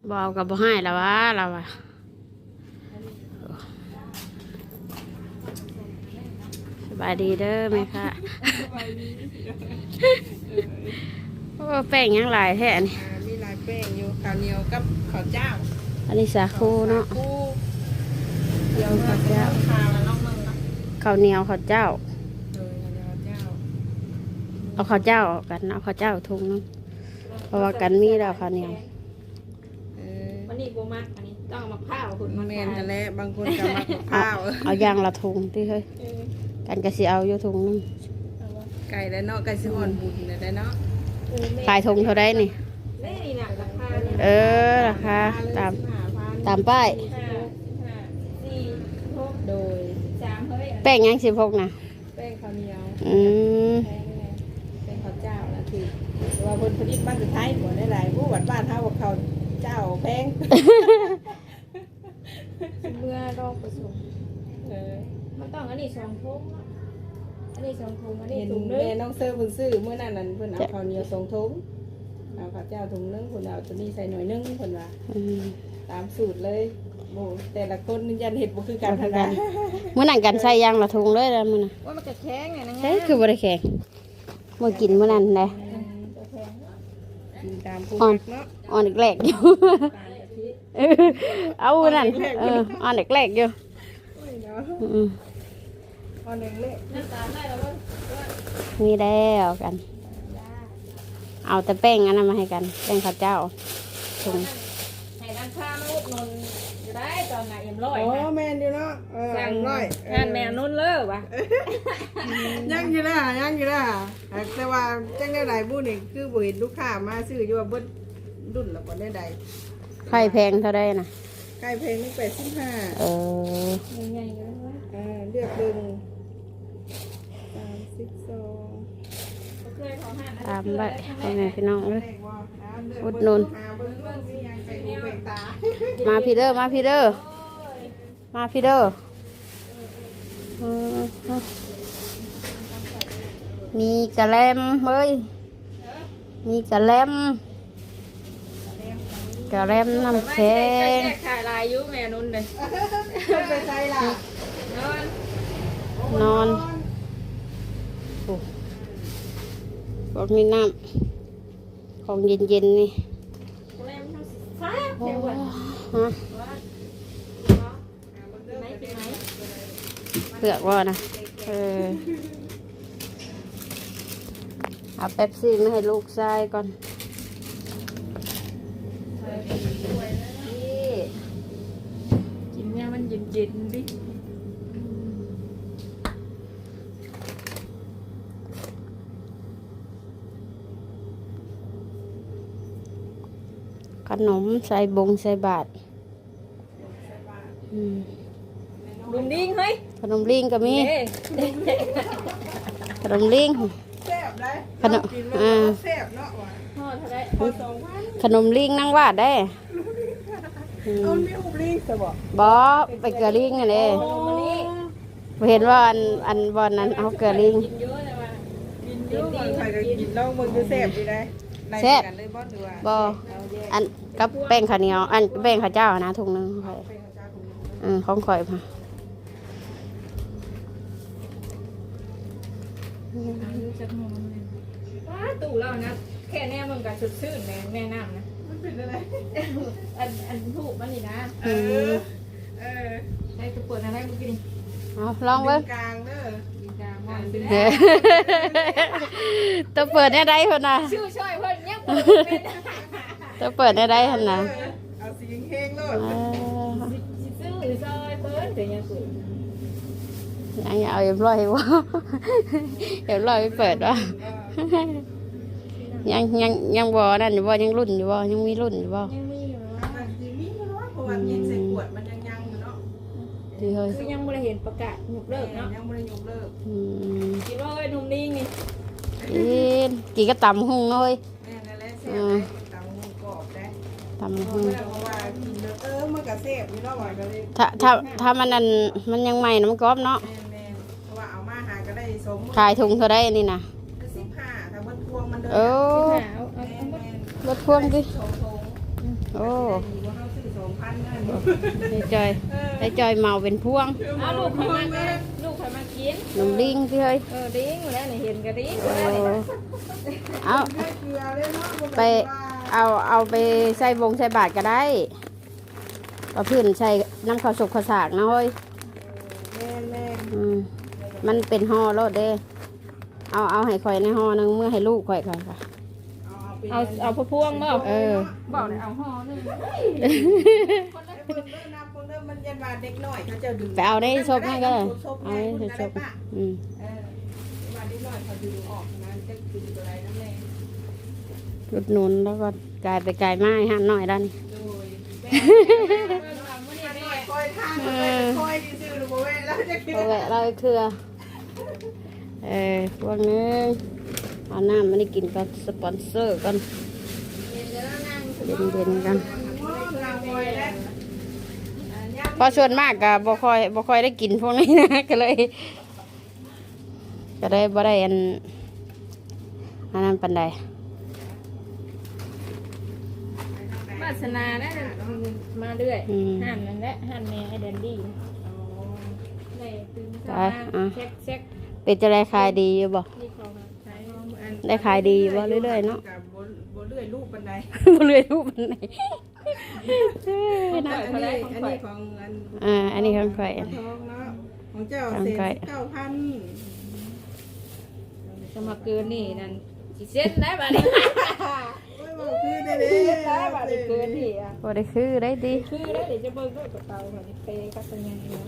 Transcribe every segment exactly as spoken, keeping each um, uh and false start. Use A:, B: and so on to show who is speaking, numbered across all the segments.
A: บอกกับบ่ให้แล้ววะเราอะสบายดีเด้อไหมคะโอ้แป้งยังหลายแท้นี่
B: อ่ามีลายแป้งอยู่ข้าวเหนียวกับข้าวเจ้า
A: อันนี้สาคูเนาะ
B: คู่
A: เดียวข้าวเจ้า
B: ข้าวแล้วน้องมึงเนาะ
A: ข้าวเหนียวข้าวเจ้า
B: เออข้าวเหนียวเจ้า
A: เอาข้าวเจ้าออกกันเอาข้าวเจ้าทุงนึงเพราะว่ากันมีแล้วข้าวเหนียว
B: เออ
C: วันนี้โบมักอันนี้ต้องเอามาข้าวคุณ
B: มั
C: มัน น
B: แมน
C: ขาย
B: กันแล้วบางคนก็มัก
A: เอา
B: ข้าว
A: เอาอย่างละทุงที่เฮ้ย
C: เออ
A: กันก็สิเอาอยู่ทุงนึง
C: เอาวะ
B: ไก่แล้วเนาะไก่สิอ่อนบุญเนี่ยได้เนาะ
C: เออแม่
A: ขายทุงเท่าไรนี่
C: แม่นี่น่ะราคาเนี่ย
A: เออราคาตาม
B: ห้าพัน
A: ตามป้าย
C: ห้าห้าสี่หก
B: โดย
C: สามเฮ้ย
A: แป้งยังสิบหกนะ
B: แป้งข้าวเหนียว
A: อืม
B: แป้งแป้งข้าวเจ้านะคือแต่ว่าเพิ่นผลิตบ้านสุดท้ายบ่ได้หลายผู้วัดบ้านเฮาว่าข้าวเจ้าแพง
C: เมื่อรอบผสม
B: เออ
C: มันต้องอันนี้สองทุ่มเนาะอันนี้สองทุ่มอันนี้
B: เห็น
C: ถุงนึ
B: แม่
C: ง
B: น้องเซอร์เพิ่นซื้อมื้อนั้นนั่นเพิ่นเอาข้าวเหนียวสองถุงเอาข้าวเจ้าถุงนึงเพิ่นเอาตัวนี้ใส่หน่อยนึงเพิ่นว่า
A: อืม
B: ตามสูตรเลยโอ้แต่ละคนยันเห็ดบ่คือกัน
A: บ่คื
B: ทา
A: อกั
B: ง
A: น มื้อนั้นกันใส่ยางละทุงเลยแล้วมื้อน่ะ
C: ว่ามันจะแข็งไงนะ
A: ใช่คือบ่ได้แข็งมื้อกินมื้อนั้นแหละ
C: จะแข็ง
B: กินตามผู้
A: อ่อ
B: มัน กเนาะ
A: อ่อนแรกๆอยู่
B: ตามกะทิ
A: เออเอานั่นเอออ่อนแรกๆอยู่
B: โอ้ยเนาะ
A: อืม
B: เอันหนึงเละ
C: น้ำตาลได้แล้วว่า
A: มีแล้วกัน เอาแต่แป้งอันนั้นมาให้กันแป้งข้าวเจ้าถุง
C: ให้ร้านค้ามาอุดหนุนจะได้ตอนไหนเอ็มร้อย
B: โอ้
C: นะ
B: แม่นอยู่เนาะเออ
C: สั่ง
B: ร้อย
C: งานแมวนุ่นเลยวะ
B: ยังอยู่นะยังอยู่นะแต่ว่าจังได้หลายบุญนี่คือบ่เห็นลูกค้ามาซื้ออยู่ว่าเบิดรุ่นละบ่ได้ใด
A: ไข่แพงเท่าได้น่ะ
B: ไก่เพลงนี่แปดสิบห้า
A: เออ
C: ใหญ่ๆกันเลย
B: อ่าเลือกเบิ่งสามสิบสอง
C: เคยขอห้านะ
A: ตามไว้พ่อแม่พี่น้องเลย
B: แรกว่าอ่าเลืก
A: อุ
B: เบิ่
A: ด
B: ง
A: หนุน
B: หาเบิ่งเบิ่งสิยังใส่หูเบิ่งตา
A: มาพี่เด้อมาพี่เด้อมาพี่เด้ออืมมีกระแลมเฮ้ยมีกระแลมกระแลมน้ำแข็ง
C: แจกขายลายยุแม่นุ่นเลย
B: ไปใส่ล่ะ
C: นอน
A: นอนโอ้บอกมีน้ำของเย็นๆนี่
C: แม่มันฟ้า
A: โอ้
C: เดี๋ยววัน
A: ฮะ
C: ไหนกินไหน
A: เปลือกว่านะเออเอาเป๊ปซี่มาให้ลูกชายก่อนนี่
C: กินเนี่ยมันเย็นๆดิ
A: ขนมใส่บงใส่บาทอืม
C: ลุงดิ้งเฮ้ย
A: ขนมลิงก็มี
C: เอ้
A: ขนมลิง
B: แซ่บได้
A: ขนม
B: กิน
A: อ่า
B: แล้วแซ่บเนาะว่ะ
C: ห่อเท่าไร
B: พอสองพัน
A: ขนมลิงนั่งวาดได้อื
B: เอา
A: ม
B: มีอุบลิงซะบ่
A: บอไปเกลือลิงอันนี้
C: ขนมอันนี้
A: เห็นว่าอันอันบอลนั้นเอาเกลือลิง
C: กินเยอะเลยว่ะ
B: กินอยู่บางใครก็กินลองมึงดูแซ่บดีได้ไล่
A: แซ่บ
B: กันเลยบ่ดูว่า
A: บอ
B: เอาแยก
A: อันกับแป้งข้าวเหนียวอันแป้งข้าวเจ้านะถุงหนึงข่อย
B: เป็นข้าวเจ้าของมึง
A: อืมของข่อยมา
C: ว้าตู่เรานะแค่แน่มึงกับสุดชื่นแม่แม่น้ำนะ
B: มันเป็นอะไร
C: อันอันถูกมันนี่นะ
B: เออเออ
C: ใช้ตัวเปิดอะไรมึงกิน
A: เอาลองเบิ้ง
B: กลางเด้อ
C: กินกลางมันเป็น
A: เฮ้ยตัวเปิดได้ได้คนน่ะ
C: ชื่อช่วยเพิ่นยังเปิดเป็น
A: ตัวเปิดได้ได้คนน่ะ
B: เออเอาสีเฮงๆโลด
A: อ่า
C: ซื้อซอยเพิ่นแต่ยังเปิด
A: ยังเอาเอ็มร้อยวะเอ็มร้อยไปเปิดวะยังยังยังบอนั่นอยู่บ่ยังรุ่นอยู่บ่ยังมีรุ่นอยู่บ่
C: ยังมีอยู่
B: อ่าสีมีอยู่เนาะเพราะว่ากินใส่ขวดมันยังยังอยู่เนาะ
A: ดีเฮ้ย
C: คือยังไม่ได้เห็นประกาศยกเลิกเนาะ
B: ยังไม่ได้ยกเลิก
A: อืม
C: คิดว่าเอ้ยหนุ่มนิ่งนี่
A: กินกินก็ตำหุ่งเลย
B: แม่นั่นแหละแซ่บได้ตามหูกรอบได้
A: ตำ
B: เพ
A: หุ่ง
B: ราะว่ากินแล้วเออมันก็แซ่บอยู่เนาะว่าก็เลย
A: ถ้าถ้าถ้ามันนั่นมันยังใหม่นะมันกรอบเนาะ
B: แม่นๆเพราะว่าเอามาหาก็ได้สม
A: ขายถุงเท่าได้นี่นะ
B: สิบห้าถ้าเบิดพวงมันเดิน
A: โอ้
C: หาเอาเอา
B: แม่
C: เอา
B: น
C: หมด
A: รถพ่วงดิ
B: ๆโถง
A: โอ้
B: ดีว่าเขาซื้อสองพันนั่น
A: ไอ้จอยไอ้จอยเมาเป็นพวง
C: เอาลูกใครมากินลูกใครมากิน
A: หนุ่มลิงพี่เฮ้ย
C: เออดิ้งแล้วนี่เห็นก็ดิ้ง
A: โอ้
C: แล้วนี่
A: เอา
B: ให้เกลือเลยเนาะ
A: ไปเอาเอาไปใส่บงใส่บาทก็ได้เอาพื้นใส่น้ำข้าวสุกข้าวสากนะเฮ้ย
B: แม่แม่
A: อืมมันเป็นห่อรถเด้เอาเอาให้ข่อยในห่อหนึงเมื่อให้ลูกข่อยค่ะค่ะ
C: เอาเอาพวกพวงบ่
A: เออ
C: บอกเลยเอาห่อหนึง
B: คนละคนเริ่มนับคนเริ่มมันยันบาเด็กหน่อยเขาจะดึง
A: ไปเอาได้ซบให้ก็ได้
B: ซบ
A: เอา
B: ให้
A: ได้
B: คน
A: ซ
B: ได้
A: บ
B: ปะ
A: อืม
B: เออบาเด็กหน่อยเขาดึงออกนะจะดึงตัวไรนั่นแหละ
A: รุดหนุนแล้วก็กลายไปกลายไม้ห้ามหน่อยด้านนี้
B: โดยแม่
C: เอามื้อนี้
B: ห
C: แม่
B: น่อยคอยทางคอยคอยซื้อหรือเปล่าแล้วจะกิน
A: เอาแวะเราอีกเครือเออพวกนึงเอาน้ำมันได้กินกับสปอนเซอร์กันเย็นๆกันเพอส่วนมากก็บ่ค่อยบ่ค่อยได้กินพวกนี้นะ ก็เลย ก็เลยบ่ได้อันอันนั้นปานใด
C: วาสนานะมาเรื่อยหันนั่นแหละหันแม่ให้แดนดี้ได้ตื่นเช้ามาเช็คเช็ค
A: เป็นจะได้ขายดีอยู่บ่
C: นี่เขาใช้
A: ได้ขายดีอยู่บ่เรื่อยๆเนาะ
B: บ่เรื่อยลูกบันได
A: บ่เรื่อยรูปมันไหน
B: อันนี้อันนี้ของอัน
A: อ่าอันนี้ของข่อย
B: ทองเนาะของเจ้าเศษเก้าพัน
C: จะมาเกินนี่นั่นสิเส้นได้บ่นี่
B: โอ้ยบอกคือได้เลย
C: ได้บ่ได้เกินนี่อ่ะ
A: บ่ได้คือได้ดี
C: คือได้เดี๋ยวจะเบิ่งด้วยกระเป๋าค่ะนี่เปกับเป็นยังไงเนาะ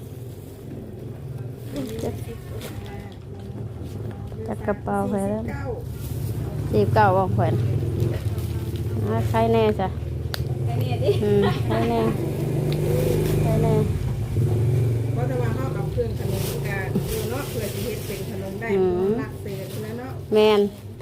A: จักกระเป๋าไปแล้ว
B: เก้า
A: สิบเก้าบ่ข่อยอ่าใครแน่จ้ะ
C: ไอ้นี่ดิ
A: อืมใครแน่ใครแน่
B: เพราะถ้าว่าเข้ากับเครื่องขนมกันดูเนาะเพื่อจะเฮ็ดเป็นขนมได้หลักเศษแล้วเนาะ
A: แม่น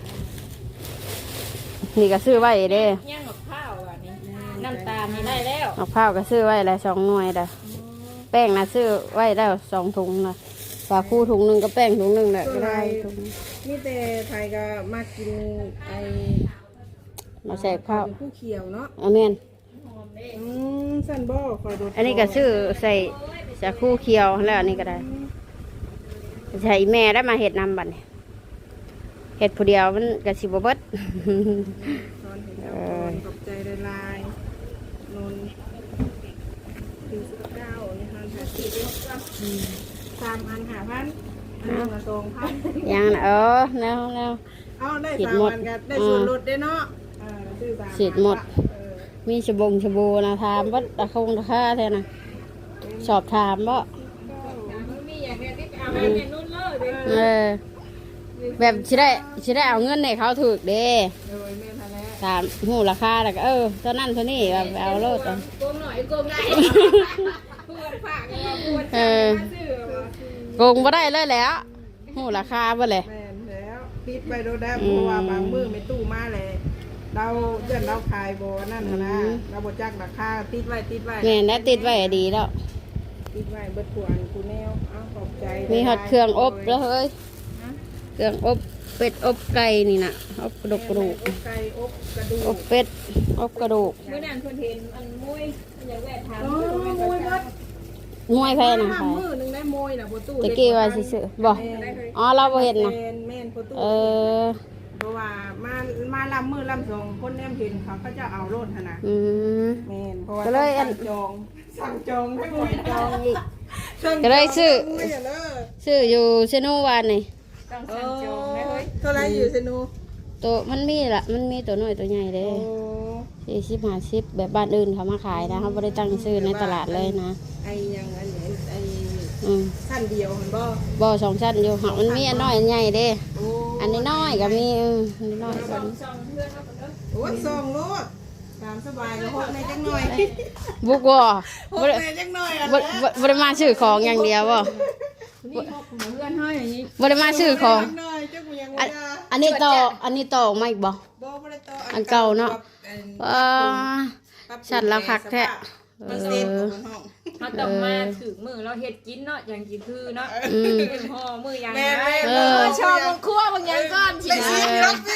A: นี่ก็ซื้อไว้เด้
C: ย่างกับข้าวอ่ะนี่น้ำตาลนี่ได้แล้ว
A: มะพร้าวก็ซื้อไว้แล้วสองหน่วยเด้อแป้งน่ะซื้อไว้แล้วสองถุงน่ะฝาคู่ถุงหนึงก็แป้งถุงหนึงน่ะก็ได้ถุง
B: นี่แต่ไทยก็มากินไอ
A: มาใส่ข้าว
B: ผู้เขียวเนาะ
A: เอาแม่น
B: อืมสันบ่คอยดู
A: อันนี้ก็ซื้อใส่สาคูเขียวแล้วอันนี้ก็ได้ใส่แม่ได้มาเห็ดนำบัดนี้เห็ดผู้เดียวมันก็สิบ่เบิด
B: ตอนเห็นเจ้าคนขอบใจได้ลายนนถึงสิบเก้านี่ฮันหาสิบสามอันหาพันอันหนึ่งละสองพัน
A: ยังน่ะเออแนวแนว
B: เอาได้
A: ฉีด
B: สาม
A: หมด
B: อันกันได้ส่วนลดได้เนาะเออซื้อสาม
A: ฉีดหมด
B: เออ
A: มีชบงชบูนะถามว่าตะคงตะค่าแท้นะสอบถามว่า
C: มีอย่างเนี้ยที่เอาให้แม่นุ่นเลย
A: เออแบบชิได้ชิได้เอาเงินให้เขาถูกเด้
B: โดยแม่ทันแล้ว
A: ถามหูราคาแล้วก็เออเท่านั้นเท่านี้แบบเอาโลดเอา
C: โกงหน่อยโกงได้พูดฝากว่าพูด
A: เออ
C: ซื้อว่า
A: โกงบ่ได้เลยแหล้วหูราคาบ่เลย
B: แม่นแล้วติดไปโดนได้เพราะว่าบางมือไม่ตู้มาเลยเราเพื่อนเราขายโบนั่นน่ะนะเราบจักราคาติดไว้ติดไว้
A: แม่นได้ติดไว้ดีแล้ว
B: ติดไว้เบิดขวานกูแนวเอาขอบใจ
A: มีฮอดเครื่องอบแล้วเฮ้ยเครื่องอบเป็ดอบไก่นี่น่ะอบกระดูกกระดูก
B: อบไก่อบกระดู
A: อก บเป็ดอบกระดูก
C: เมื่อนั้นเพิ่นเห็นอันมุ้ยอยากแวะถาม
B: โอ้
C: มุ้ย
B: ยมวยเบิด
A: มวยแพ้นะ
B: ห้า
A: ค่ะ
B: มือหนึงได้มวยน่ะบ่ตู้
A: ตะกี้ว่าสิซื้อบ่อ๋อเราบ่เห็นนะ
B: แม่นแม่นบ่ตู้
A: เออ
B: เพราะว่ามามาลำมือลำสองคนแนมเห็นเขาก็จะเอาโลดหั่นน่ะ
A: อืม
B: แม่นเพราะว่า
A: ก็เลยอัน
B: สั่งจองสั่งจองให้หมด
A: จองอีก
B: สั่ง
A: ก็เลยซื้อ
B: จงให้เด้อ
A: ซื้ออยู่เซโนวานนี่
C: ต้อง
B: เอ
C: สั่งจองได้เฮ้ย
B: เท่าไรอยู่เซนู
A: ตัวมันมีละมันมีตัวน้อยตัวใหญ่เด้
B: โอ้
A: สี่สิบห้าสิบแบบบ้านอื่นเขามาขายนะเขาไม่ได้ตั้งซื้อในตลาดเลยนะ
B: ไอ้ยังอันไหนไอ้
A: อืม
B: สั้นเดียวเห็นบ่
A: บ่อสองชั้นอยู่หักมันมีอันน้อยอันใหญ่เด้
B: โอ้
A: อันนี้น้อยก็มีเอออันนี้น้อย
C: ส
A: ก็
C: อง
A: มี
C: สองเพื่อนเอาคนเด้อ
B: โอ้ยส่งโลดตามสบายก็หกในจังหน่อย
A: บุกบ่
B: ห
A: บ่
B: ก
A: ได้
B: ในจังหน่อยอ่ะ
A: บ่บ่บ่ได้มาซื้อของอย่างเดียวบ่
C: นี่พกเพื่อนให้อย่างนี้
A: บ่ได้มาซื้อของ
B: จังหน่อยเจ้ากูยัง
A: อั
B: บ่
A: น
B: ได้
A: อันนี้ต่ออันนี้ต่อออกมาอีกบ่
B: บ่บ่ได้ต่อ
A: อันเก่าเนาะ
B: ปรับ
A: เออ
B: ปรับปรุง
A: ฉันแล้วคักแท้
B: มันเซ็ตของมันห้อง
C: เขาต้องมาถึงมือเราเฮ็ดกินเนาะอย่างกินคือเนาะ
A: อืม
C: เป็นห่อมืออย่าง
B: แม่
C: ไร
B: แม่
A: เอ
B: เอ
A: อ
B: อ
C: ชอบบางครัวบางอย่างก้อนสิ
B: ไปซีรับสิ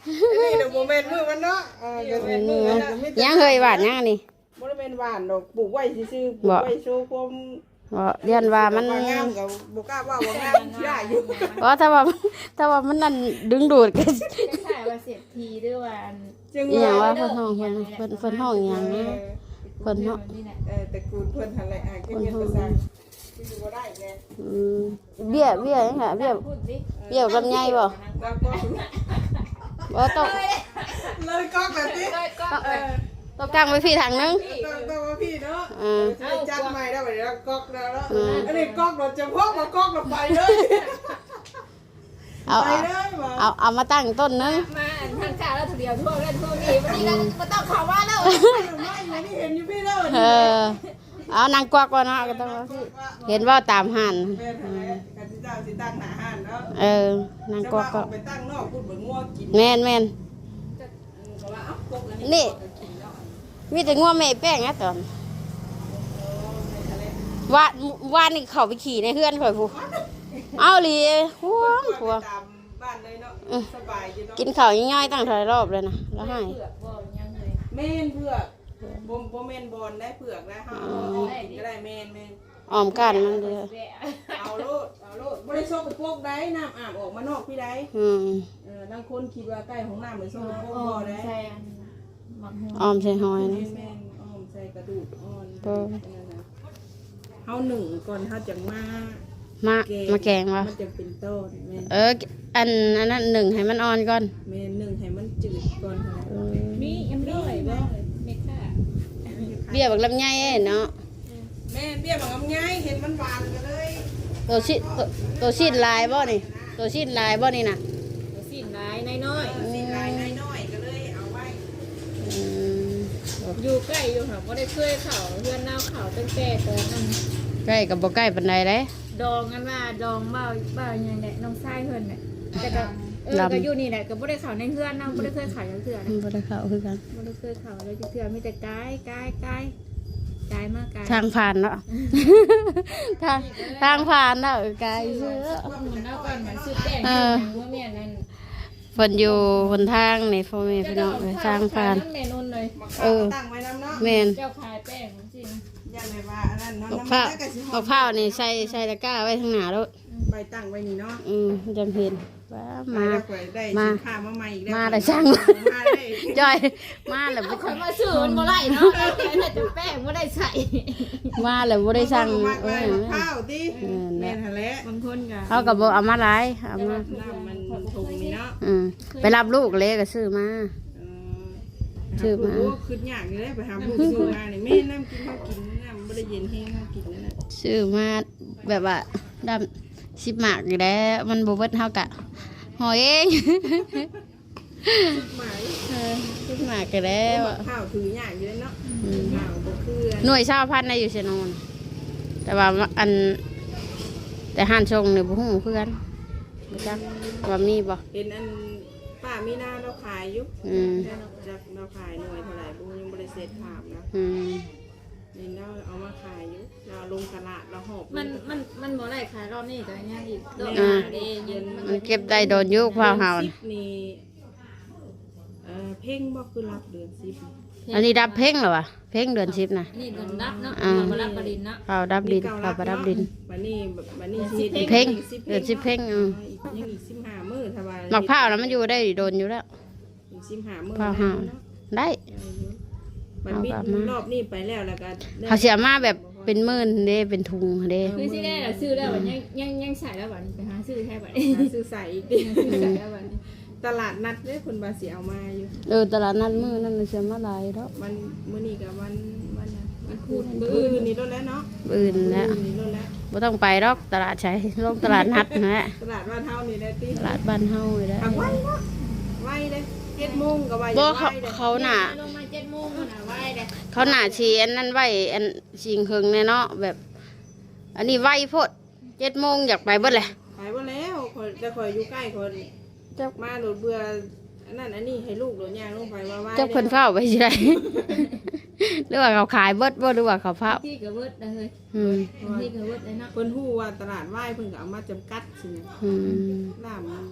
B: นี่เดี๋ยวโมเมนต์มือมันเนาะเออเดี๋ยวเป็นมือมันนะไม่
A: ยังเคยหวานยังอันนี่
B: บ่ได้เป็นหวานดอกปลูกไว้ซื่อๆปลูกไว้โชว์ความ
A: บ่เรียนว่ามัน
B: งามกับบ่กล้าว่าบ่งามได้อยู่
A: เพราะถ้าว่าถ้าว่ามันนั่นดึงดูดกัน
C: ก็ใช่ว่าเสียทีด้วยว่า
B: จึง
A: อหย่าง
B: ว่า
A: ว่าเพิ่นห้องเพิ่นเพิ่นเพิ่นห้องอหย่างนะเพิ่นห้อง
C: นี่แหละ
B: เออแต่กูเพิ่นหั่นแหละอ่ะก็เฮ็ดภาษาคือบ่ได้แน่
A: อืมเบี้ยเบี้ยยังค่ะเบี้ย
C: พูดสิ
A: เบี้ยลำไยบ่
B: แล้วก็
A: บ่ต้อง
B: เลยก๊อกแบบนี้
C: เลยก็
B: เออ
A: ต้องกางไว้พี่ทางนึง
B: ต้องต้องว่าพี่เนาะ
A: เออ
B: จะจัดใหม่ได้บัดนี้แล้วก๊อกแล้วเนาะอันนี้ก๊อกเราจะพกมาก๊อกเราไปเลย
A: เอา
B: ไป
A: เอา
B: เลยบ่
A: เอาเอามาตั้งต้นนึง
C: มาทางข้าแล้วทีเดียวทั่วเล่นทั่วนี่วันนี้ก็มาต้องข่าวว่าแล้ว
B: ไม่อยู่นี่เห็นอยู่พี่เด้อ
A: เออเอานางกวักว่าเนาะก็ต้องว่าพี่เห็นว่าตามหัน
B: แม่นหั่นแหละกันสิเจ้าสิตั้งหน้าห้านเนาะ
A: เออนางกวัก
B: ก็
A: ก็
B: ไปตั้งนอกพูดเหมือนงัวกิน
A: แม่นแม่น
B: ก็ว่าเอ้ากกอัน
A: นี่ มีแต่งัวแม่แป้งนะตอนว่าว่านี่เขาไปขี่ในเฮือนข่อยผู้เอาหลีห่วงห่วง
B: ตามบ้านเลยเนาะสบายอยู่เนาะ
A: กินข้าวย่อยๆตั้งหลายรอบเลยนะแล้วให้
C: เผือกบ่ยังเลย
B: แม่นเผือกบ่บ่แม่นบอลได้เผือกนะเฮาเอากินก็ได้แม่นแม่น
A: ออมกันมันเด้อ
B: เอาโลดเอาโลดบ่ได้ซกกระโปกได้น้ำอาบออกมานอกพี่ได้
A: อืม
B: เออบางคนคิดว่าใกล้ของน้ำเหมือนซกกระโปกบ่ได้
C: ใช่อันหมักหัว
A: ออมใส่หอย
B: แม่
A: นะ
B: นแม่นอ้อมใส่กระดูกอ่อน
A: เออ
B: นั่นน่ะเฮาหนึ่งก่อนเฮาจังมา
A: มามาแกงวะ
B: มันจะเป็นต้นแม่น
A: เอออันอันนั้นหนึ่งให้มันอ่อนก่อน
B: แม่นหนึ่งให้มันจืดก่อนค่ะ
A: เออ
C: มียังไม่ได้บ่เมค่า
A: เบี้ยบักลำไยเอ้เนาะ
B: แม่เบี้ยบักงง่ายเห็นมันหวานกันเลย
A: ตัวชิตัวตัวชิ้นลายบ่นี่ตัวชิ้นลายบ่นี่น่ะ
C: สิ้นลายน้อย
B: สีลายน้อยๆก็เลยเอาไว้
A: อืม
C: ๆอยู่ใกล้อยู่ค่ะบ่ได้เคยเข้าเพื่อนน้าเข้าตั้งแต่ตอนนั้น
A: ใกล้กับบ่ใกล้ปานใดเด้
C: ดองกันว่าดองเบ้าเบ้าอย่างแหละน้องชายเพิ่นน่ะแต่ก็เออก็อยู่นี่แหละก็บ่ได้เข้าในเพื่อนนำบ่ได้เคยเข้าจังเทื่อนะ
A: บ่ได้เข้าคือกัน
C: บ่ได้เคยเข้าเลยจังเทื่อมีแต่กายกายกายกายมากกาย
A: ทางผ่านเนาะ ทางทางผ่านเนาะเออไกลเชื่อ
C: มันเอาก่อนมันซื้อแป้ง
A: เออ
C: ว่าแม่นั่น
A: เพิ่นอยู่หนทางนี่พ่อแม่พี่น้องเอ้ยทางผ่าน
C: แม่นนเลย
B: มา
A: เอ
B: ข้าว
A: อ
B: ตั้งไว้น้ำเนาะ
A: แม่น
C: เจ้าขายแป้งจริง
B: ยันเลยว่าอันนั้นเนาะ
A: บัก
B: น้ำ
A: พร้าว
B: มันก็สิห
A: บั
B: อก ม
A: พร้าวนี่ใส่ใส่ตะกร้าไว้ข้างหน้ารถ
B: ใบตั้งไว้นี่เนาะ
A: อืมจังเห็นว่า
B: มา
A: มา
B: แล้วข่อยได้
A: มา
B: สินค้ามาใหม่อีกแล้ว
A: มาแต่ช่าง
B: มาได้
A: จอยมาแล้วบ่
C: คนมาซื้อมันบ่ได้เนาะแต่จะแป้งบ่ได้ใส่
A: มาแล้วบ่ได้สั่ง
B: มา
A: เอ
B: ไว้
A: อ
B: มะพร้าวติ
A: เออ
B: แม่นหั่นแหละ
C: บางคนก็
A: เขาก็บ่เอามาหลายเอามา
B: น้ำมันถุงนี่เนาะ
A: อืมไปรับลูกเลยก็ซื้อมา
B: เออ
A: ชื่อมา
B: โอ้คือยากอยู่เลยไปหาผู้ซื้อมานี่แม่น้ำกินข้าวกินน้ำบ่ได้เย็นแห้งข้าวกินนั่นน่ะ
A: ซื้อมาแบบว่าดำสิบหมากอยู่แล้วมันบ่เบิดเฮากะหอยเอง
B: หมาย
A: เออสิบหมากก็แล้ว
B: มะพร้าวถือยากอยู่เลยเนาะ
A: อืม
B: ข้าวบ่คือ
A: หน่วยชาวพันธุ์น่ะอยู่เชนนแต่ว่าอัน แต่ห้านชงเนี่ยบ่ฮู้คือกันบ่จักว่ามีบ่
B: เห็นอันป้ามีหน้าเราขายอยู่
A: อืม
B: จักเราขายหน่วยเท่าไหร่บ่ยังบ่ได้เสร็จถามนะ
A: อืม
B: นี่เราเอามาขายอยู่เราลงตลาดเราหอบ
C: มันมันมันบ่ได้ขายรอบนี้ก็ยังอีกดอก
A: อ่า
C: เด้เย็น
A: มันเก็บได้โดนยุคพาวเฮา
B: ดือน
A: น่ะ
B: สิบนี่เอ่อเพ่งบ่คือรับเดือนสิบ
A: อันนี้ดับเพ่งเหรอวะเพ่งเดือนสิบน่ะ
C: นี่โดนรับเนาะ
A: อ่า
C: มารับปริญเนาะ
A: เผาดับดินเผาบ่ดับดิน
B: บัดนี้บัดนี้สิ
A: เพ่งเดือนสิบเพ่งอืม
B: ยังอีกสิบห้ามื้อถ้าว่า
A: หมักพร้าวน่ะมันอยู่ได้โดนอยู่แล้ว
B: อีกสิบห้ามื้อ
A: พาวเฮาได้
B: มันบิดรอบนี้ไปแล้วแล้วก็
A: เขาเสียมาแบบเป็นหมื่นเด้เป็นทุงเด้
C: คือสิได้ล่ะซื้อแล้วบัดยังยังยังใส่แล้วบัดนี้ไปหาซื้อแท้บัดนี้
B: หาซื้อใส่อีก
C: ซื้อใส่แล้วบัดนี้
B: ตลาดนัดเด้เพิ่นว่าสิเอามาอยู่
A: เออตลาดนัดมือนั่นน่ะเสียมาหลายแล้ว
B: มันมื้อนี้ก็วันวันน่ะ
C: มันพูด
B: มื้ออื่นนี่โดนแล้วเนาะ
A: อื่นแล้ว
B: มื้ออื่นนี่โดนแล้ว
A: บ่ต้องไปหรอกตลาดใช้ลงตลาดนัดนะฮะ
B: ตลาดบ้านเฮานี่ได้ติ
A: ตลาดบ้านเฮาเลยได้
B: ทำไว้เนาะไว้เด้เจ็ดโมงก็ว่าอ
A: บ่
B: ย่า
A: เขา
B: ไว้เด้
A: เขาน่ะ
C: ลงมาเจ็ดโมงน่ะไว้เด้
A: เขาหน้าชีอันนั้นไว้อันชิงเคิงเนี่ยเนาะแบบ อันนี้ไว้โพดเจ็ดโมงอยากไปเบิดเลย
B: ไปบ่แล้วข่อยจะข่อยอยู่ใกล้ข่อย
A: เจ้า
B: มาโดดเบื่ออันนั้นอันนี้ให้ลูกโดดย่างลงไปว่าไว้
A: เจ้าเพิ่นเฝ้าไปสิได้ หรือว่าเขาขายเบิดบ่หรือว่าเขาเฝ้า
C: ที่ก็เบิดได้เฮ้ย
A: อืม
C: ที่ก็เบิดได้เนาะ
B: เพิ่นฮู้ว่าตลาดไหว้เพิ่นก็เอามาจำกัดสิ
A: อืม
B: ล่ามสิ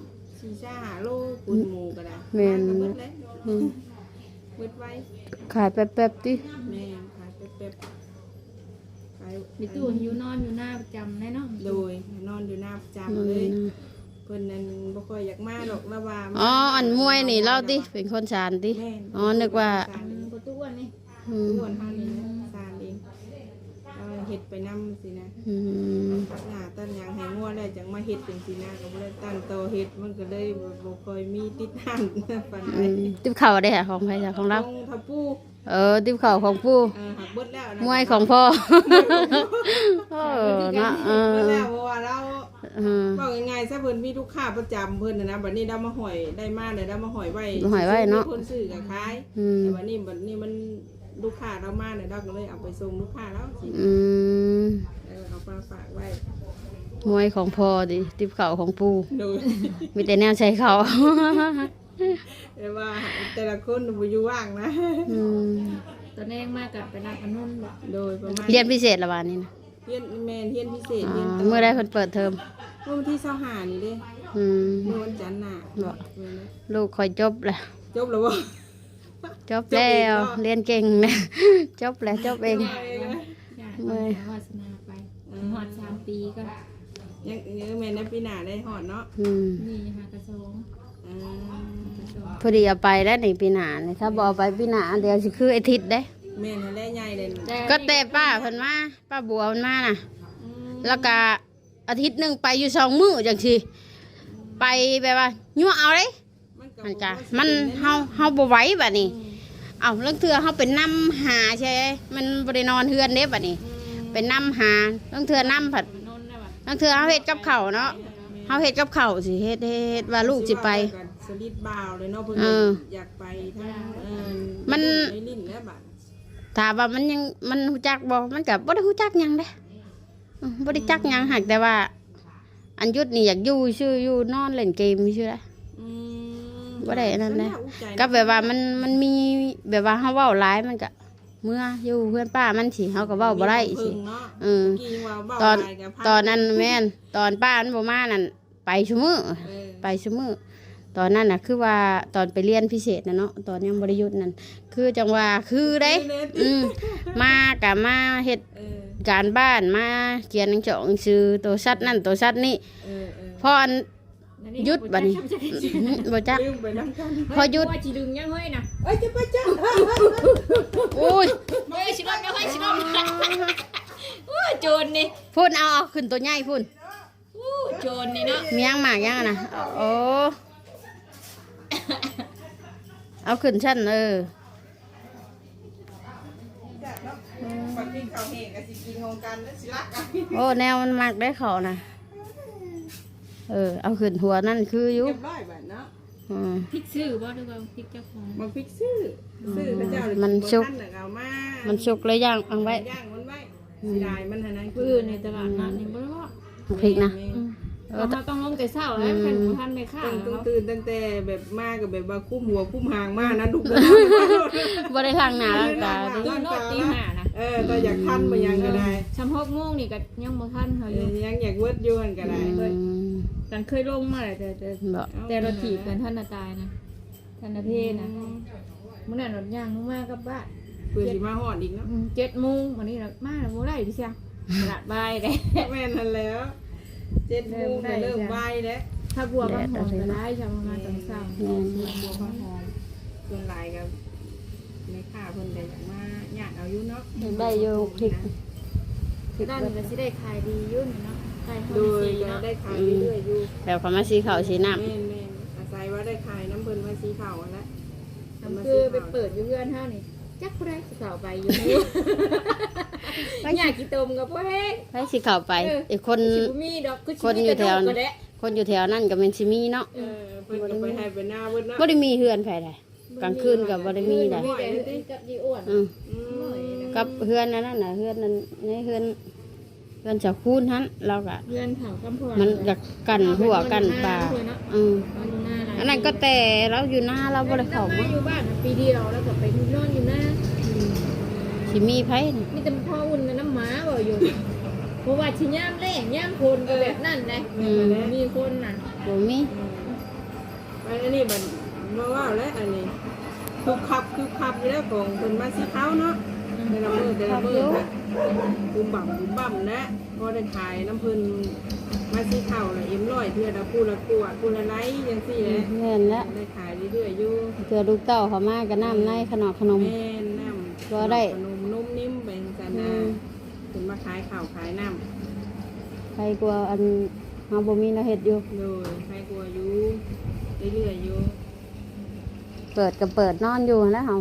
B: สี่ชาหาโลปูนหมูก็ได้
A: แม่น
B: ก็เบิดแล้ว
A: อืม
B: เบิดไว้
A: ขายแป๊บๆติ
B: แม่ขายเป๊บๆขาย
C: มีตู้อยู่นอนอยู่หน้าประจำแน่เนาะ
B: โดยนอนอยู่หน้าประจำเลยเพิ่นนั่นบ่ค่อยอยากมาหรอกละว่า
A: อ๋ออันมวยนี่เล่าติเป็นคนชานติ
B: แม่น
A: อ๋อนึกว่า
C: อืมประตูอ้วนนี่
A: อืม
B: อ้วนเฮานี่นะซานเองเอาเฮ็ดไปนำสินะ
A: อืม
B: ตัดหน้าตัดหยังให้งัวแล้วจังมาเฮ็ดจังซี่นะก็บ่ได้ตั้งโตเฮ็ดมันก็เลยบ่บ่ค่อยมีติดทางปานใด
A: อืมติ๊บข้าวได้ค่ะของไผจ้ะของเรา
B: ของทับปู
A: เออติ๊บข้าวของปู่
B: เออหักเบิดแล้วนะ
A: มวยของพ่อเออเนาะเอ
B: เบิด
A: อ
B: แล้วเพราะว่าเรา
A: อืม
B: บอกง่ายๆซะเพิ่นมีลูกค้าประจำเพิ่นน่ะนะบัดนี้เรามาหอยได้มาเลยเรามาหอยไว้
A: มาหอยไว้เนาะ
B: มีคนซื้อก็ขาย
A: อืม
B: แต่บัดนี้บัดนี้มันลูกค้าเรามาเนี่ยเราก็เลยเอาไปส่งลูกค้าแล้วสิ
A: อืม
B: เออเอามาฝากไว้
A: มวยของพ่อดิติ๊บข้าวของปู่
B: โดย
A: มีแต่แนวใช้เขา
B: แต่ว่าแต่ละคนบ่อยู่ว่างนะ
A: อืม
C: ตอนแรกมากกับไปรับอนนุนบ่
B: โดยประมาณ
A: เรียนพิเศษละวันนี้นะ
B: เรียนแม่นเรียนพิเศษ
A: อ๋
B: เรียน
A: อ
B: ต่อ
A: เมื่อได้เพิ่นเปิดเทอม
B: เมื่อวันที่ยี่สิบห้านี่เด้
A: อืม
B: เมื่อวันจันทร์น่ะ
A: บ่
B: เออนะ
A: ลูกคอยจบแล้ว
B: จบแล้วบ่
A: จบแล้วเรียนเก่งนะ จบแล้วจบเอง
B: จบเองนะ
C: อยาก
A: เมื่อย
C: วาสนาไปหอดสามปีก็
B: ยังยังแม่นในปีหน้าได้ฮอดเนาะ
A: อืม
C: นี่หากระทรวง
B: อืม
A: พอดีเอาไปแล้วในปีหน้าเนี่ยถ้าบเอกไปปีหน้าเดี๋ยวสิคือไอาทิตย์เด้
B: แม่นให้ได้ใหญ่เลย
A: ก็แต่ป้าเพิ่นมาป้าบัวเพิ่นมาน่ะ
B: อืม
A: แล้วก็อาทิตย์หนึงไปอยู่สองมื้อจังซี่ไปแบบว่ายั่วเอาเด้
B: มันก็
A: มันจ้ะ
B: บ่
A: มัน
B: สิป็
A: เฮาเฮาบ่ไหวบัดนี้
B: อืม
A: เอาเรื่องเทื่อเฮาเป็นนำหาใช่มันบ่ได้นอนเฮือนเด้บัดนี้
B: อืม
A: เป็นนำหาเรื่องเทื่อนำผัด
C: นนท์ได้ป่ะ
A: เรื่องเทื่อเฮาเฮ็ดกับข้าวเนาะเฮาเฮ็ดกับข้าวสิเฮ็ดเฮ็ดว่าลูกสิไป
B: สลิดบ่าวเลยเนาะเพิ่น
A: เออ
B: อยากไปทั้งเออ
A: มัน
B: ในลิ้นแล้วบัด
A: ถามว่ามันยังมันฮู้จักบ่มันก็บ่ได้ฮู้จักหยังเด้อืมบ่ได้จักหยังหักแต่ว่า อันยุดนี่อยากอยู่ชื่ออยู่นอนเล่นเกมซื่อละ
B: อืม
A: บ่ได้อันนั้นนะ
B: อุ๊ยใจ
A: ก็แบบว่ามันมันมีแบบว่าเฮาเว้าหลายมันก็เมื่ออยู่เพื่อนป้ามันสิเฮาก็เว้าบ่ได้สิ
B: มีเพิ่งเนาะ
A: เออ
B: เมื่อกี้ว่าเว้า
A: ตอน
B: หลายกับพัง
A: ตอนนั้นแม่นตอนป้ามันบ่มานั่นไปซุมื้อ
B: เออ
A: ไปซุมื้อตอนนั้นน่ะคือว่าตอนไปเรียนพิเศษน่ะเนาะตอนยังบ่ได้หยุดนั่นคือจังว่าคือเด้ อืมมาก็มาเฮ็ด
B: เออ
A: การบ้านมาเขียนหนังสือหนังสือตัวชัดนั่นตัวชัดนี่
B: เออเออ
A: พออันหยุดบัดนี้บ่จัก
B: ลืมไปนั่งกัน
A: พอหยุด
C: ว่าจีดึงยังเฮ้ยนะ
B: เอ้ยจะไปจ้า
A: โอ้ย
C: เฮ้ยชิลล์ยังเฮ้ยชิลล์โอ้โจรนี่
A: พุ่นเอาเอาขึ้นตัวใหญ่พุ่น
C: โอ้โจรนี่เนาะ
A: มียังหมากยังอะนะโอ้เอาขึ้นชั้นเออ
B: ปักกิ่งเขาเฮงกับสิกินของกันแล้วสิรักกัน
A: โอ้แนวมันมักได้เขานะเออเอาขึ้นหัวนั่นคืออยู่
B: เรียบร้อยบัดเนาะ
A: อืม
C: พริกซื้อบ่หรือว่าพริกเจ้าของ
B: มาพริกซื้อซื้อพระเจ้าเลย
A: มัน
B: บ่
A: สุก
B: ทันน่ะเอามา
A: มันสุกเลยย่างเอาไว้
B: ย่างมันไว้สิได้มันหั่นนะ
C: ปื้อในตลาดนัดนี่บ่รู้ว่า
A: พริกนะ
C: อืมเราต้องลงแต่เช้าแล้วคันบ่ทันไม่ค่า
B: ต้องต้อง
C: เนาะ
B: ตื่นตั้งแต่แบบมากับแบบว่าคุ้มหัวคุ้มหางมานะลูกเด้อ
A: บ่ได้ทางหน้าร่างกายดิ
C: ตื่นนอนตีห้านะ
B: เออถ้าอยากทันบ่ยังก็ได้
C: ชำหกโมงนี่ก็ยังบ่ทันเขา
B: เอ
C: อยู่
B: อยังอยากเวิร์ดอยู่หั่นก็ได้
A: อืม
C: กันเคยลงมาแล้วแต่แต่
A: บ่
C: แต่รถถีบกันท่านน่ะตายนะท่านน่ะเพนะมื้อนั้นรถย่างลงมากับบ้าน
B: เพื่อสิมาฮอดอีกเนาะ
C: อืมเจ็ดโมงวันนี้เรามาแล้วบ่ได้พี่เชียงตลาดบายได้
B: แม่นนั่นแล้วเจ็ดโมงก็เริ่มไหวแล้ว
C: ถ้าบัวบางหอมก็ได้ชาวมาตอนเช้า
B: บัวบางหอมส่วนหลายกับแม่ค้าเพิ่นก็อยากมาญาติเอาอยู่เนาะ
A: ได้อยู่พริก
C: คือด้านนี้ก็สิได้ขายดีอยู่นี่เนาะขาย
B: โด
C: เฮาย ดี
B: ก็
C: เนาะ
B: ได้ขายเรื่อยๆอยู่
A: แบบเขามาสีขาวสีน้
B: แม่นแม่นอาศัยว่าได้ขายน้ำเพิ่นมาสีขาวนั่นแหละ
C: คือไปเปิดอยู่เพื่อนเฮานี่จักผู้ใดสิเข้าไปอยู่นี่อยากกินต้มกับบ่แห้ง
A: ำให้สีขาวไปอีกคน
C: สิบ่มีดอกคือ
A: คนอยู่แถว
C: ก็ได้
A: คนอยู่แถวนั่นก็เป็นซิมีเนาะ
B: เออเพิ่นก็ไปให้ไปหน้าเพิ่นเนาะ
A: บ่ได้มีเฮือนไผใดกลางคืนก็บ่ได้มีใด
C: มีแต่กับยีอ้วน
A: อืม
B: อืม
A: กับเฮือนนั่นน่ะเฮือนนั้นในเฮือนเฮือนจากคูนหันเราก็
C: เพื่อนเขากำพร
A: มันก็กันหัวกันป่าอืมอันนั้นก็แต่เราอยู่หน้าเราบ่ได้เข้า
C: มา
A: มา
C: อยู่บ้านปีเดียวแล้วก็ไปนอนอยู่หน้า
A: สิมีไผน่ะ
C: มีแต่พ่ออุ่นกับน้ำหมาบ่อยู่เพราะว่าชิย่ามแรงย่ามคนก็แบบนั่นเลยมีคนน่ะ
A: บ่มี
B: อันนี้มันมาว่าแล้วอันนี้คือขับคือขับอยู่แล้วของเพิ่นมาสีขาวเนาะแต่ละมือแต่ละมือค่ะบุมบ่ำบุมบ่ำนะพอได้ขายน้ำเพิ่นมาสีขาวละเอ็มร้อยเทื่อละคู่ละกวดคู่ละไลจังซี่แหละ
A: แม่นแล้ว
B: ได้ขายเรื่อยๆอยู่
A: เจอลูกเต้าเขามาก็น้ำในขนมขนม
B: แม่น้ำ
A: บ่ได้
B: ขนมนุ่มนิ่มแบ่งกันนะเพิ่นมาขายข้าวขายน้ำ
A: ใครกลัวอันเฮาบ่มีแนวเฮ็ดอยู่
B: เลยใครกลัวอยู่เรื่อยๆอยู่
A: เปิดก็เปิดนอนอยู่แล้วเฮา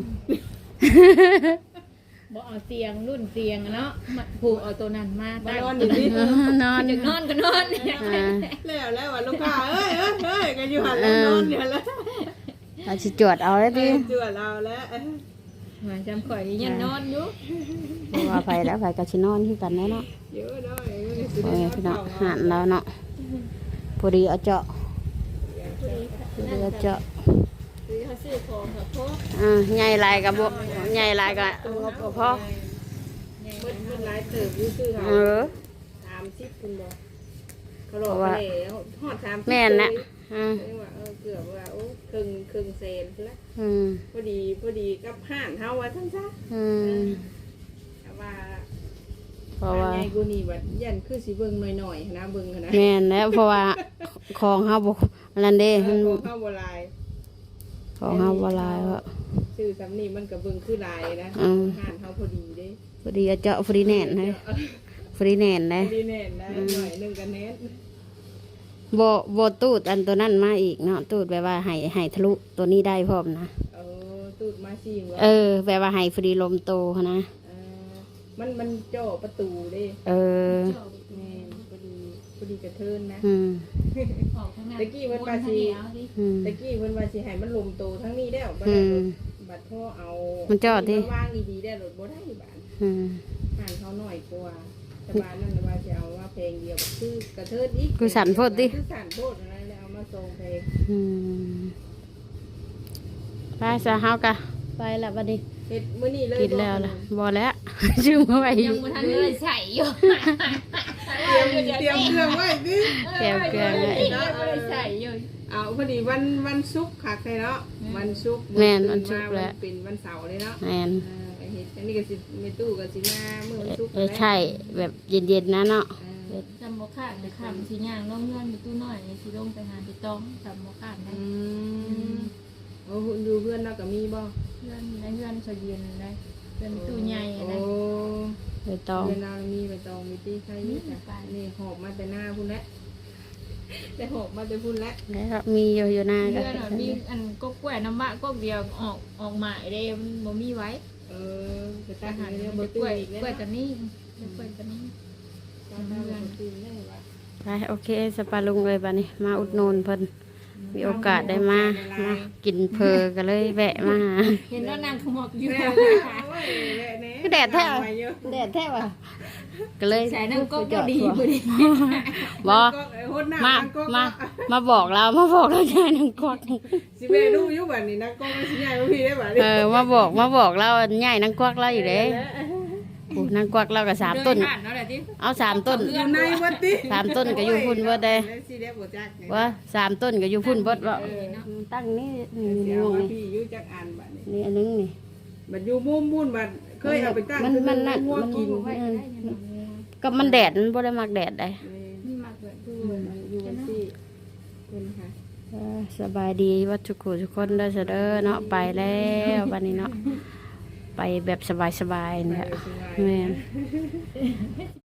C: บ่เอาเตียงรุ่นเตียงอะเนาะมาผูกเอาตัวนั้นมา
B: มา
C: ตั้ง
B: นอนอยู่นี่
A: นอน
C: จะนอนก็นอนเนี่ย
A: อ่า
B: แล้วแล้วว่าลูกค้าเอ้ยเอ้ยเอ้ยก็อยู่หันแล้วนอนอยู่แล้ว
A: เอาสิจวดเอาได้
B: เอ
A: ติ
B: อจวดเราแล้ว
C: มาจำข่อยยังนอนอยู่
A: บ่ว่าไผแล้วไผก็สินอนคือกันแน่เนาะ
B: เยอะด้วย
A: โอ้ยพี่น้องหานแล้วเนาะพอดีเอาเจาะพอดีเอาเจาะ
C: คือเขาซื้อของกับพ่อ
A: อ่าใหญ่หลายก็บ่ใหญ่หลายก็งบบ่พอ
B: เพิ่นเพิ่นหลายเติบอยู่คือเขา
A: เออ
B: สามสิบคุณบอกเขาบอกว่าฮอดสามสิบ
A: แม่นนะอ่า
B: เรียกว่าเออเกือบว่าโอ้ครึ่งครึ่งเซนแล้ว
A: อืม
B: พอดีพอดีกับห่านเฮาว่าทั้งซะ
A: อืม
B: แต่ว่า
A: เพราะว่า
B: ไงกูนี่บัดยันคือสิเบิ่งหน่อยๆนะเบิ่งนะ
A: แม่นแล้วเพราะว่าของเฮาบ่อันนั้นเด้
B: เอ
A: มัน
B: อของเฮาบ่หลาย
A: ของเฮาบ่หลายว่า
B: ชื่อสำนีมันก็เบิ่งคือหลายนะ
A: อืม
B: ห่านเฮาพอดีเด้
A: พอดีเอาเจาะฟรีแน่นเลยฟรีแน่นเล
B: พ
A: ย
B: อดีแน่นได้หน่อยหนึงก็แน่น
A: บ่บ่ตูดอันตัวนั้นมาอีกเนาะตูดแบบว่าให้ให้ทะลุตัวนี้ได้พร้อมนะ
B: เออตูดมาชิงว่า
A: เออแบบว่าให้ฟรีลมโตหั้นนะ
B: เออมันมันเจ่อประตูเด้
A: เออ
B: แม่นพอดีพอดีกระเทินนะ
A: อืม
C: ออกทางนั้น
B: ตะกี้เพิ่นว่าสิ
A: อืม
B: ตะกี้เพิ่นว่าสิให้มันลมโตทั้งนี้แล้วบ่
A: อื
B: ได้
A: ม
B: รถบัดพ่อเอา
A: มั
B: มัน
A: จอดดิ
B: วางดีๆได้รถบ่ได้บาด
A: อืม
B: ห่านเขาหน่อยกว่าแต่บ้านนั่นน่ะว่าจะเอาว่าเพลงเดียวคือกระเทิดอีก
A: คือสั่นโพดดิ
B: คือสั่นโพดอะไรแล้วเอามาส่งเพลง
A: อืมไปซะเฮากะไปละบัดนี้
B: เฮ็ดมื้อนี้เลย
A: กินแล้วล่ะบ่แล้ว ชื่อมาไว้อ
C: ยั
A: ยู่
C: งบ่ทันเลยใส่อยู่
B: เตรียมเตรียมเครื่องไว้ดิ
A: แก้วเกลือไว้
C: ยังบ่ได้ใส่อยู่
B: เอาพอดีวันวันศุกร์คักเลยเนาะวันศุกร์
A: แม่นวันศุกร์แล้ว
B: มาเป็นวันเสาร์เลยเนาะ
A: แม่น
B: เออไอ้เฮ็ดอันนี้ก็สิในตู้ก็สิมามื้อวันศุกร์
A: เออใช่แบบเย็นๆนะเนาะ
B: เออ
C: จำบ่ขาดแต่คำสิย่างน้องเงินอยู่ตู้น้อยสิลงไปหาพี่ต้องจำบ่ขาดได้
B: อืมโอ้ดูเพื่อนเราก็มีบ่
C: เพื่อนในเพื่อนเขาเย็นได้เป็นตู้ใหญ่
B: โอ้
C: นะ
A: ใบตอง
B: เวลามีใบตองมีตีไข่มีแต่นี่หอบมาแต่หน้าพุ่นแล้วแต่หอบมาแต่พุ่นแล้ว
A: แล้วมีอยู่อยู่หน้าก็
C: เพื่อนมีอันก็กล้วยน้ำบะก็เดียวออกออกหมายได้มันบ่มีไว้
B: เออไปตั
C: อา
B: ด
C: หาร
B: เนื้อ
C: เบ
B: บ่
C: ก
B: ตื้
C: ล้วย
B: อีกแล้ว
C: กล้วยตัวนี้กล้วยตัวนี้
B: ตัดเนื้อบ่ตื้ได้ว่า
A: ไปโอเคสปาลุงเลยบัดนี้ มาอุดหนุนเพิ่นมีโอกาสได้มามากินเพอก็เลยแวะมาหา
C: เห็นว่านางขมอกอยู่
B: แม่โอ้ยแม่
A: คือแดดแท้
B: มาเยอะ
A: แดดแท้ว่ะก็เลย
C: ใส่น้ำก็ก็ดีพอดี
A: บ่
B: ก็ไอ้โหดหน้า
A: มา
B: นก็
A: มามาบอกเรามาบอกเราใช่นังกอก
B: สิแม่ดูอยู่บัดนี้นะก็ไม่สิใหญ่บ่พี่ได้บัดนี้
A: เออมาบอกมาบอกเราใหญ่นังกวักเราอยู่เด้โอ้นังกวักเราก็สามต้น
C: เดิผ่านเนาะแหละที่
A: เอาสามต้น
B: อยู่ในวัดติ
A: สามต้นก็อยู่พุ่นเบิดเด้
B: สิได้บ่จักนี่
A: ว่าสามต้นก็อยู่พุ่นเบิดว่าตั้งนี่นี่
B: เดี๋
A: นี่
B: ยว
A: นี่
B: พี่อยู่จักอันบัดนี้
A: นี่อันนึงนี่
B: บัดอยู่มุมมุ่นบัดเคยเอาไปตั้ง
A: มันมันนั่น
B: งัว
A: มัน
B: กิน
C: ไว้ก็ได้เนี่ย
A: ก็มันแดดมันบ่ได้มักแดดได้
C: นี่มากเลยคือ
B: อยู่วันที่เป็นค่ะ
A: เออสบายดีว่าทุกคนทุกคนเด้อเสยเด้อเนาะไปแล้ววันนี้เนาะไปแบบสบายๆเนี่ย
B: ไปสบาย
A: แม่น